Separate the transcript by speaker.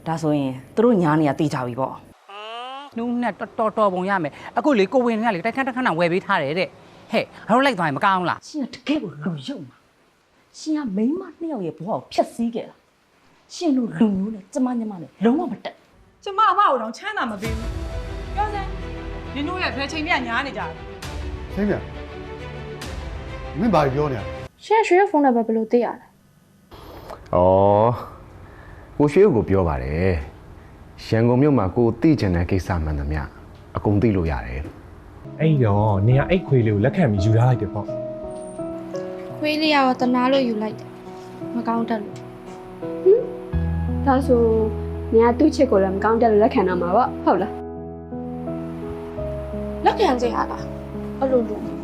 Speaker 1: ဒါဆိုရင်သူတို့ညာနေရတေးကြပြီပေါ့
Speaker 2: နူးနဲ့တော်ပုံရမယ်အခုလေကိုဝင်ကလေတိုက်ခန်းခဏဝယ်ပေးထားတယ်တဲ့ဟဲ့ငါတို့လိုက်သွားရင်မကောင်းလား
Speaker 1: ရှင်ကတကယ်ကိုလူယုံမှာရှင်ကမိန်းမနှစ်ယောက်ရဲ့ဘဝကိုဖျက်ဆီးခဲ့တာရှင်တို့လူမျိုးနဲ့ကျမညမနဲ့လုံးဝမတက်
Speaker 3: ကျမအဖကိုတော့ချမ်းသာမပေးဘူးပြောစမ်းနင်တို့ရဲ့ဘယ်ချိန်ပြညားနေကြလဲ
Speaker 4: ရှင်းပြမင်းဘာပြောနေရလဲ
Speaker 5: ရှင်ရွှေဖုန်းနံပါတ်ဘယ်လိုသိရလဲ
Speaker 6: ဩကိုရွှေကိုပြောပါတယ်ရန်ကုန်မြို့မှာကိုသိချင်တဲ့ကိစ္စမှန်သမျှအကုန်သိလို့ရတယ်
Speaker 7: အဲ့တော့နေရအိတ်ခွေးလေးကိုလက်ခံပြီးယူထားလိုက်တယ်ပေါ့
Speaker 5: ခွေးလေးရောတနာလို့ယူလိုက်တယ်မကောင်းတတ်လို့
Speaker 8: ဒါဆိုနေရသူ့ချစ်ကိုလည်းမကောင်းတက်လို့လက်ခံတော့မှာပေါ့ဟုတ်လား
Speaker 5: လက်ခံကြရလားအဲ့လိုလို့